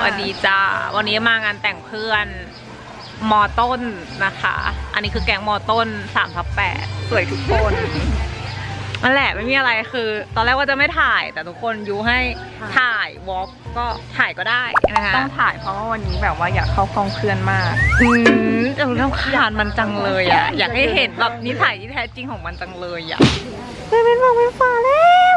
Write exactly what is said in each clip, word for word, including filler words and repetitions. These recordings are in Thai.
วัสดีจ้าวันนี้มางานแต่งเพื่อนมอต้นนะคะอันนี้คือแก๊งมอต้นสามทับแปดสวยทุกคนนั่นแหละไม่มีอะไรคือตอนแรกว่าจะไม่ถ่ายแต่ทุกคนยูให้ถ่ายวอล์กก็ถ่ายก็ได้นะคะต้องถ่ายเพราะว่าวันนี้แบบว่าอยากเข้ากล้องเพื่อนมากอืมเราต้องคานมันจังเลยอ่ะอยากให้เห็นแบบนิสัยที่แท้จริงของมันจังเลยอ่ะเลยเป็นบอกเป็นฟ้าแล้ว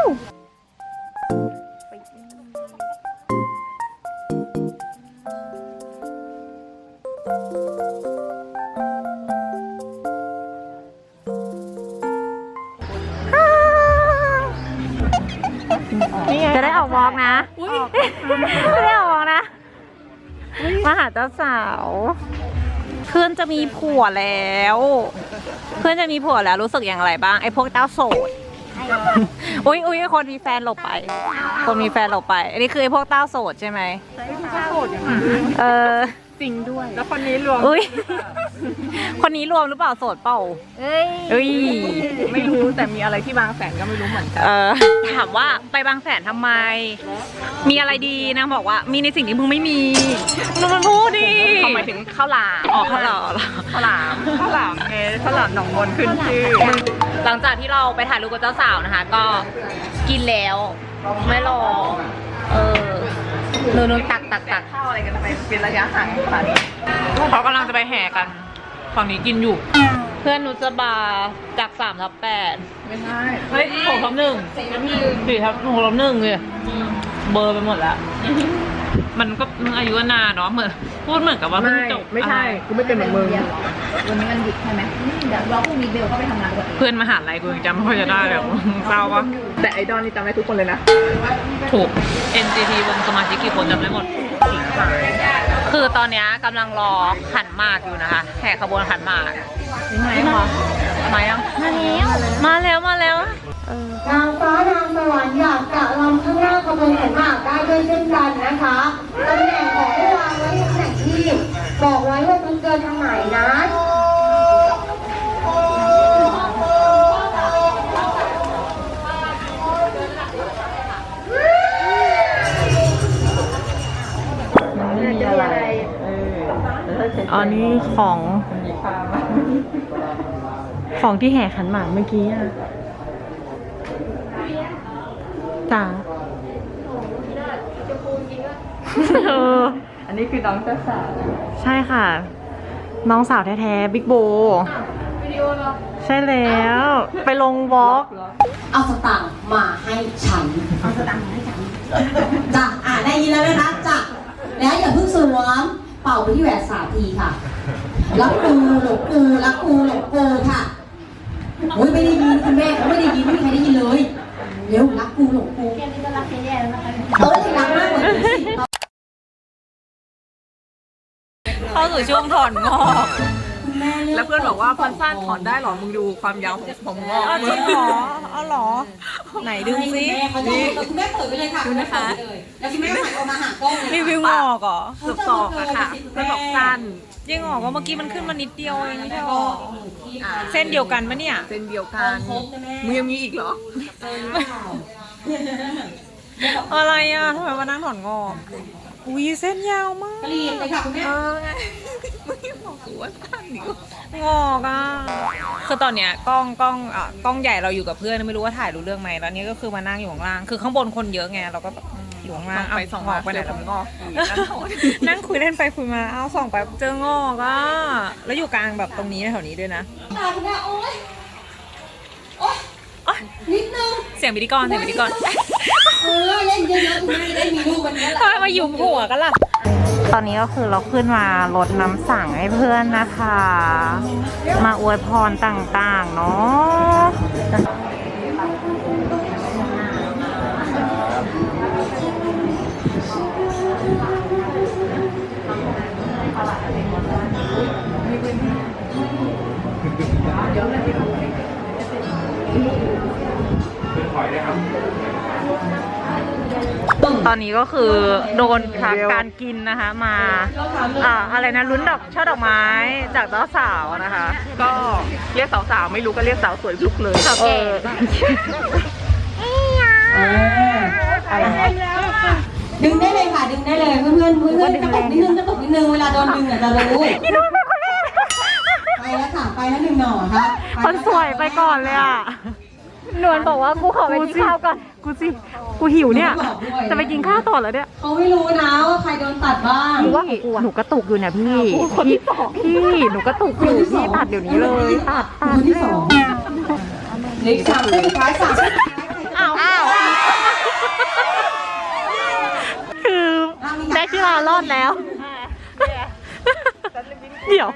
จะได้ออกวอล์กนะจะได้ออกวอล์กนะมาหาเจ้าสาวเพื่อนจะมีผัวแล้วเพื่อนจะมีผัวแล้วรู้สึกอย่างไรบ้างไอ้พวกเจ้าโสดอุ้ยอุ้ยคนมีแฟนหลบไปคนมีแฟนหลบไปอันนี้คือไอ้พวกเต้าโสดใช่ไหมโสดอย่างนี้เออจริงด้วยแล้วคนนี้รวมอุ้ยคนนี้รวมหรือเปล่าโสดเปล่าเอ้ยเอ้ยไม่รู้แต่มีอะไรที่บางแสนก็ไม่รู้เหมือนกันเออถามว่าไปบางแสนทำไมมีอะไรดีนางบอกว่ามีในสิ่งที่มึงไม่มีมึงมันพูดดิเขาหมายถึงข้าวหลามอ๋อข้าวหลามข้าวหลามข้าวหลามไงข้าวหลามหนองมนขึ้นชื่อหลังจากที่เราไปถ่ายรูปกับเจ้าสาวนะคะก็กินแล้วไม่รอเออนูนตักตักตักข้าวอะไรกันไปเป็นระยะห่างค่ะเขากำลังจะไปแห่กันฝั่งนี้กินอยู่เพื่อนนุชบาจากสามทับแปดไม่ใช่เฮ้ยหกทับหนึ่งสี่ทับหกทับหนึ่งเลยเบอร์ไปหมดแล้วมันก็อายุนานเนาะเหมือนพูดเหมือนกับว่าเพิ่งจบไม่ใช่กูไม่เป็นเหมือนมึงวันนี้มันหยุดใช่ไหมเดี๋ยวเราพรุ่งนี้เบลก็ไปทำงานปกติเพื่อนมหาลัยกูยังจำไม่ค่อยจะได้เลยเศร้าปะแต่ไอดอลนี่จำได้ทุกคนเลยนะถูก เอ็น จี ที วงสมาชิกกี่คนจำได้หมดคือตอนนี้กำลังรอขันหมากอยู่นะคะแห่ขบวนขันหมากนี่ไงคะมายังมาแล้วมาแล้วนางฟ้านางสวรรค์อยากจะลำข้างหน้าขบวนขันหมากได้ด้วยเช่นกันนะคะตำแหน่งของผู้วางไว้ตำแหน่งที่บอกไว้ว่าคุณเกินทางไหนนะอันนี้ของของที่แห่ขันหมากเมื่อกี้อ่ะจ้าอันนี้คือน้องเจ้าสาวใช่ค่ะน้องสาวแท้ๆบิ๊กโบใช่แล้วไปลงวอล์กเอาสตางค์มาให้ฉันเอาสตางค์มาให้ฉันจ้ะอ่าได้ยินแล้วไหมคะจ้ะแล้วอย่าเพิ่งสวมเป่าไปที่แหวนสามทีค่ะรักกูหลงกูรักกูหลงกูค่ะโอ้ยไม่ได้ยินคุณแม่เขาไม่ได้ยินไม่มีใครได้ยินเลยเร็วรักกูหลงกูแค่นี้ก็รักแย่ๆแล้วนะคะเออรักมากกว่านี้สิเข้าสู่ช่วงถอนงอกแล้วเพื่อนบอกว่าพันสั้นถอนได้หรอมึงดูความยาวของผมงอกจริงหรอเอาหรอไหนดึงซินี่คุณแม่เปิดไปเลยค่ะดูนะคะแล้วคุณแม่หันออกมาหากล้องรีวิวงอกเหรอเกือบศอกอะค่ะเพื่อนบอกสั้นยังงอกก็เมื่อกี้มันขึ้นมานิดเดียวเองไม่ใช่หรอเส้นเดียวกันปะเนี่ยเส้นเดียวกันมึงยังมีอีกเหรออะไรอ่ะทำไมมานั่งถอนงอกอุ้ยเส้นยาวมากกรีดเลยค่ะคุณแม่ไม่บอกกูว่าสั้นดิงอกอ่ะคือตอนเนี้ยกล้องกล้องอ่ะกล้องใหญ่เราอยู่กับเพื่อนไม่รู้ว่าถ่ายรู้เรื่องไหมแล้วนี้ก็คือมานั่งอยู่ข้างล่างคือข้างบนคนเยอะไงเราก็แบบอยู่ข้างล่างไปสองงอกไปไหนแล้วงอกนั่งคุยเล่นไปคุยมาเอาส่องไปเจองอกอ่ะแล้วอยู่กลางแบบตรงนี้แถวนี้ด้วยนะตาคุณแม่โอ๊ยโอ๊ยนิดนึงเสียงพิธีกรเสียงพิธีกรเออเล่นเยอะๆคุณแม่ได้มีลูกวันนี้แหละทำไมมาหยุมหัวกันล่ะตอนนี้ก็คือเราขึ้นมาลดน้ำสั่งให้เพื่อนนะคะมาอวยพรต่างๆเนาะตอนนี้ก็คือโดนพักการกินนะคะมาอ่าอะไรนะลุ้นดอกช่อดอกไม้จากเจ้าสาวนะคะก็เรียกสาวๆไม่รู้ก็เรียกสาวสวยลุกเลยสาวแก่อะไรดึงได้เลยค่ะดึงได้เลยเพื่อนๆเพื่อนๆกระตุกนิดนึงกระตุกนิดนึงเวลาโดนดึงอ่ะจะรู้ไปแล้วค่ะไปแล้วหนึ่งหน่อค่ะคนสวยไปก่อนเลยอ่ะนวลบอกว่ากูขอไปกินข้าวก่อนกูสิกูหิวเนี่ยจะไปกินข้าวต่อแล้วเนี่ยเขาไม่รู้นะว่าใครโดนตัดบ้างหนูว่าหนูกระตุกอยู่เนี่ยพี่พี่พี่หนูกระตุกอยู่พี่ตัดเดี๋ยวนี้เลยตัดตัดคนที่สองเหล็กสามเส้นสุดท้ายสามเส้นสุดท้ายอ้าวอ้าวคือได้ที่เรารอดแล้วเดี๋ยว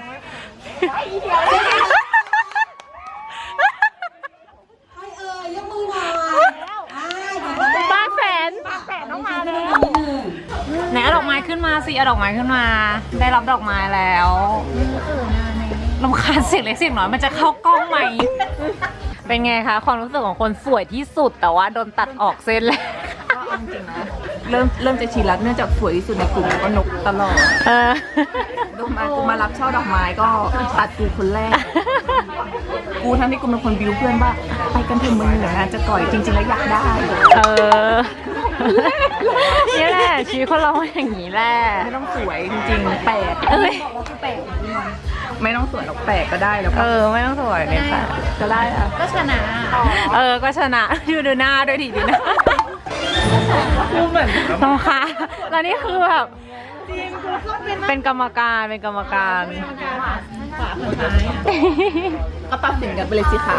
ใครเอ่ยยกมือหน่อยอ่าเดี๋ยวบ้านแสนบ้านแสนต้องมาแล้วไหนเอาดอกไม้ขึ้นมาสิเอาดอกไม้ขึ้นมา ได้รับดอกไม้แล้วรำคาญเสียงเล็กเสียงน้อยมันจะเข้ากล้องไหมเป็นไงคะความรู้สึกของคนสวยที่สุดแต่ว่าโดนตัดออกเส้นแล้วก็เอาจริงนะเริ่มเริ่มจะชินแล้วเนื่องจากสวยที่สุดในกลุ่มแล้วก็นกตลอดเออดูมากูมารับช่อดอกไม้ก็ตัดกูคนแรก กูทั้งที่กูเป็นคนบิวเพื่อนว่าไปกันเถอะมึงเดี๋ยวงานจะก่อยจริงๆแล้วอยากได้เออนี่แหละชีวิตคนเราอย่างนี้แหละไม่ต้องสวยจริงๆแปลกเอ้ยไม่ต้องสวยหรอกแปลกก็ได้แล้วเอก็อไม่ต้องสวยเนี่ยค่ะก็ได้อะก็ชนะเออก็ชนะดูดูหน้าด้วยดิดูหน้ากูเหมือนต้องค่ะแล้วนี่คือแบบเป็นกรรมการเป็นกรรมการก็ตัดสินกันไปเลยสิค่ะ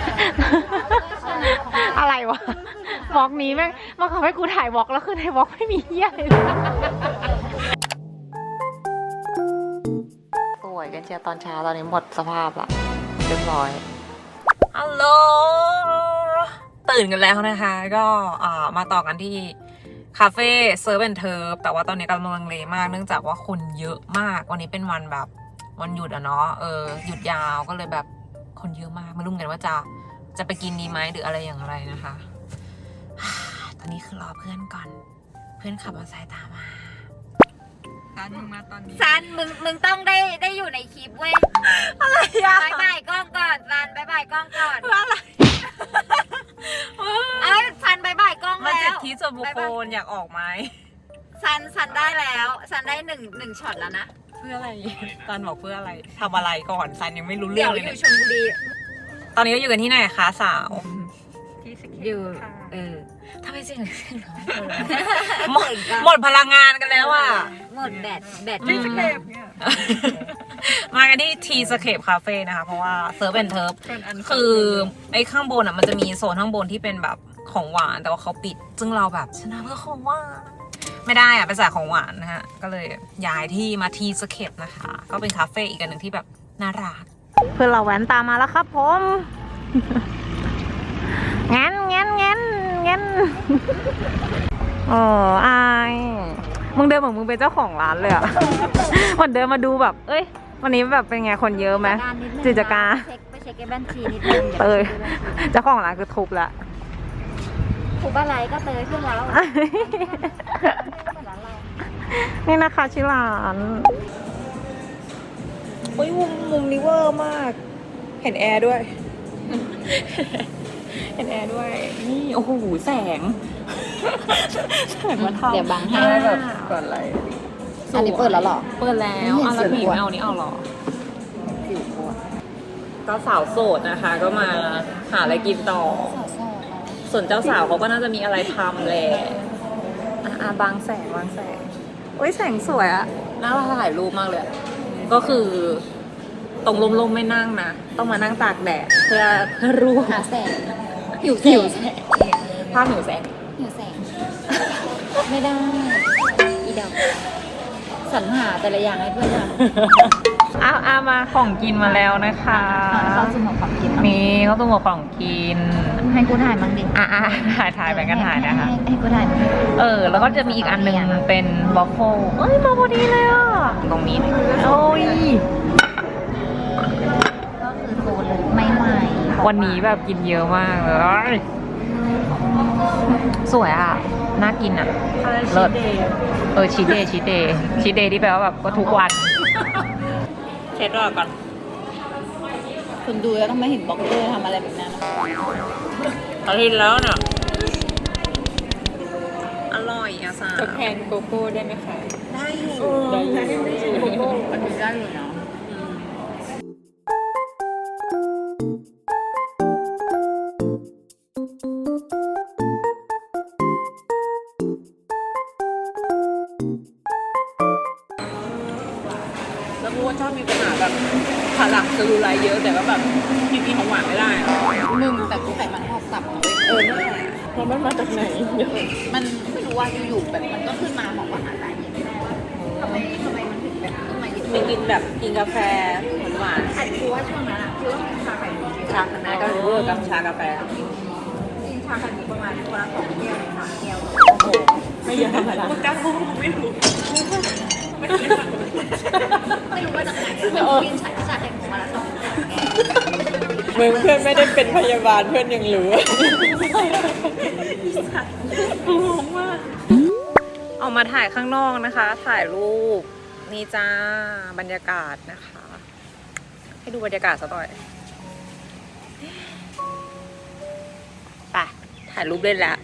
อะไรวะวอล์กนี้แม่งมาขอให้กูถ่ายวอล์กแล้วคือในวอล์กไม่มีเหี้ยเลยสวยกันเชียร์ตอนเช้าตอนนี้หมดสภาพละเรียบร้อยฮัลโหลตื่นกันแล้วนะคะ ก็อ่ามาต่อกันที่คาเฟ่เซิร์ฟแอนด์เทิร์ฟแต่ว่าตอนนี้กำลังลังเลมากเนื่องจากว่าคนเยอะมากวันนี้เป็นวันแบบวันหยุดอะเนาะเออหยุดยาวก็เลยแบบคนเยอะมากไม่รู้เหมือนกันว่าจะจะไปกินดีไหมหรืออะไรอย่างไรนะคะ ตอนนี้คือรอเพื่อนก่อนเพื่อนขับมอเตอร์ไซค์ตามมาซันมึงมาตอนนี้ซันมึงมึงต้องได้ได้อยู่ในคลิปเว้ยอะไรอะบายบายกล้องก่อนซันบายบายกล้องก่อนเพื่ออะไรเอ้ยซันบายบายกล้องมันแล้เจ็ดวที่ส่วนบุคคลอยากออกไหมซันซันได้แล้วซันได้หนึ่งหนึ่งช็อตแล้วนะเพื่ออะไรซันบอกเพื่ออะไรทำอะไรก่อนซันยังไม่รู้เรื่เดี๋อย งวเลยอเนี่ยยู่ชลบุรีตอนนี้ก็อยู่กันที่ไหนคะสาวอยู่เออทำไมเสียงเสียงน้อยหมดหมดพลังงานกันแล้วอ่ะหมดแบตแบตอืม มากันที่ทีสเคปคาเฟ่นะคะ เพราะว่าเซิร์ฟแอนด์เทิร์ฟคือไอ้ข้างบนอ่ะมันจะมีโซนข้างบนที่เป็นแบบของหวานแต่ว่าเขาปิด ซึ่งเราแบบชนะเพื่อของหวานไม่ได้อ่ะเป็นสายของหวานนะฮะ ก็เลยย้ายที่มาทีสเคปนะคะ ก็เป็นคาเฟ่อีกอันหนึ่งที่แบบน่ารักเพื่อนเราแว้นตามมาแล้วครับผม งั้นงั้นงั้นงั้นโอ้อายมึงเดินเหมือนมึงเป็นเจ้าของร้านเลยอะ เหมือนเดินมาดูแบบ เอ้ย วันนี้แบบเป็นไงคนเยอะไหมกิจการเช็คไปเช็คไอ้บัญชีนิดนึงเตยเจ้าของร้านคือทุบละถูกอะไรก็เตยขึ้นแล้วนี่นะคะชื่อร้านโอ้ยมุมมุมนี้เวอร์มาก เห็นแอร์ด้วย เห็นแอร์ด้วย นี่ โอ้โห แสง แสงมาทำเดี๋ยวบังให้แบบก่อนอะไรอันนี้เปิดแล้วหรอเปิดแล้วอ่ะแล้วผีไม่เอานี่เอาหรอ ก็สาวโสดนะคะ ก็มาหาอะไรกินต่อ ส่วนเจ้าสาวเขาก็น่าจะมีอะไรทำแหละอ่ะอ่ะบางแสงบางแสงโอ้ยแสงสวยอะน่าถ่ายรูปมากเลยอะก็คือตรงลมๆไม่นั่งนะ ต้องมานั่งตากแดดเพื่อเพื่อรูปหาแสงหิวแสหิวงแสงภาพหิวแสงหิวแสง ไม่ได้ อีดอกสรรหาแต่ละอย่างให้เพื่อนทำอ้าวอามาของกินมาแล้วนะคะเราสุ่มของกินนี่เขาต้องมาของกินให้กูถ่ายบ้างดิอ่ะอ่ะถ่ายถ่ายไปกันถ่ายนะคะให้ให้กูถ่ายบ้างดิเออ แล้วก็จะมีอีกอันหนึ่งเป็นวอฟเฟิลเอ้ย มาพอดีเลยอ่ะ ตรงนี้ โอ้ยก็คือโซนไม่ใหม่วันนี้แบบกินเยอะมากเลย สวยอ่ะ น่ากินอ่ะ เลิศเออชีเดย์ชีเดย์ชีเดย์ที่แปลว่าแบบก็ทุกวัน เช็ดรอก่อนคุณดูแล้วต้องไม่เห็นบล็อกเกอร์ทำอะไรแบบนั้นอาทิตย์แล้วเนี่ยอร่อยอ่ะสาวทดแทนโกโก้ได้ไหมคะได้อยู่ได้อยู่โกโก้อันนี้ได้อยู่เนาะแล้วกูว่าชอบมีปัญหาแบบขาหลังเซลลูไลท์เยอะแต่ก็แบบกินกินของหวานไม่ได้อะมึงแต่กูไขมันหอกตับนะเว้ยเออนั่นแหละแล้วมันมาจากไหนมันไม่รู้ว่าอยู่ๆแบบมันก็ขึ้นมาบอกว่าหาสาเหตุไม่ได้ว่าทำไมทำไมมันถึงแบบขึ้นมาเยอะมีกินแบบกินกาแฟหวานอันกูว่าช่วงนั้นอ่ะคือต้องกินชาไข่มุกๆชาแม่ก็เวอร์กับชากาแฟกินชาไข่มุกประมาณวันละสองแก้วสามแก้วโอ้โหไม่เยอะธรรมดากูจ้างกูไม่รู้ไม่รู้ว่าจากไหนกินชาชาไข่มุกวันละสองแก้วมึงเพื่อนไม่ได้เป็นพยาบาลเพื่อนยังรู้งงมากออกมาถ่ายข้างนอกนะคะ ถ่ายรูปนี่จ้าบรรยากาศนะคะ ให้ดูบรรยากาศสักหน่อยไปถ่ายรูปเล่นแล้ว